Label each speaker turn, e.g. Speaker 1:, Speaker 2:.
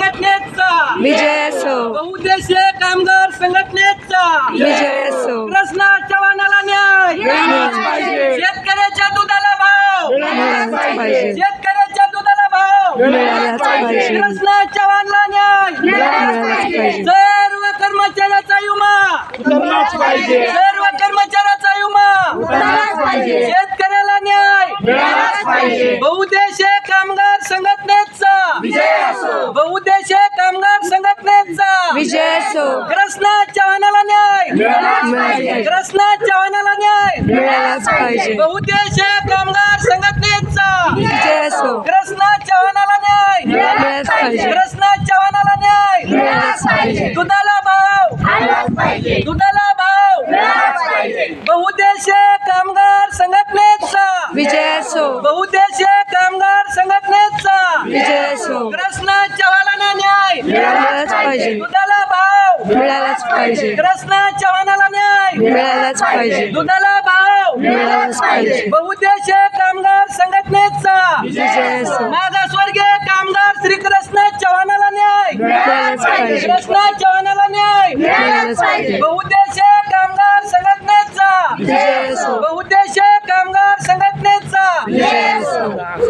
Speaker 1: संघटनेचा
Speaker 2: विजय असो,
Speaker 1: बहुउद्देशीय कामगार संघटनेचा
Speaker 2: विजय असो,
Speaker 1: कृष्णा चव्हाणाला न्याय
Speaker 2: मिळालाच पाहिजे.
Speaker 1: शेतकऱ्याच्या दुधाला भाव
Speaker 2: मिळालाच पाहिजे.
Speaker 1: शेतकऱ्याच्या दुधाला भाव
Speaker 2: मिळालाच पाहिजे.
Speaker 1: कृष्णा चव्हाणला न्याय
Speaker 2: मिळालाच पाहिजे.
Speaker 1: सर्व कर्मचाऱ्याचा विमा
Speaker 3: उतरलाच पाहिजे.
Speaker 1: सर्व कर्मचाऱ्याचा विमा
Speaker 3: उतरलाच पाहिजे.
Speaker 1: शेतकऱ्याला न्याय
Speaker 3: मिळालाच पाहिजे.
Speaker 1: बहुउद्देशीय कामगार संघटनेचा
Speaker 3: विजय असो.
Speaker 1: बहुउद्देशीय कामगार संघटनेचा
Speaker 2: विजय असो,
Speaker 1: कृष्णा चव्हाणाला न्याय
Speaker 3: मिळालाच पाहिजे.
Speaker 1: कृष्णा चव्हाणाला न्याय
Speaker 2: मिळालाच पाहिजे.
Speaker 1: बहुउद्देशीय कामगार संघटनेचा
Speaker 2: विजय असो,
Speaker 1: कृष्णा चव्हाणाला न्याय
Speaker 2: मिळालाच पाहिजे.
Speaker 1: कृष्णा चव्हाणाला न्याय
Speaker 3: मिळालाच पाहिजे.
Speaker 1: दुधाला भाव
Speaker 3: आलाच पाहिजे.
Speaker 1: दुधाला भाव
Speaker 3: मिळालाच पाहिजे.
Speaker 1: बहुउद्देशीय कामगार संघटनेचा
Speaker 2: विजय असो,
Speaker 1: बहुउद्देशीय कामगार संघटनेचा
Speaker 2: विजय असो,
Speaker 1: कृष्णा चव्हाणाला न्याय
Speaker 2: मिळालाच पाहिजे.
Speaker 1: दुधाला भाव
Speaker 2: मिळालाच पाहिजे.
Speaker 1: कृष्णा चव्हाणाला न्याय
Speaker 2: मिळालाच पाहिजे.
Speaker 1: दुधाला भाव
Speaker 2: मिळालाच पाहिजे.
Speaker 1: बहुउद्देशीय कामगार संघटनेचा
Speaker 2: विजय असो,
Speaker 1: मागासवर्गीय कामगार श्री कृष्णा चव्हाणाला न्याय
Speaker 2: मिळालाच पाहिजे.
Speaker 1: कृष्णा चव्हाणाला न्याय
Speaker 2: मिळालाच पाहिजे.
Speaker 1: बहुउद्देशीय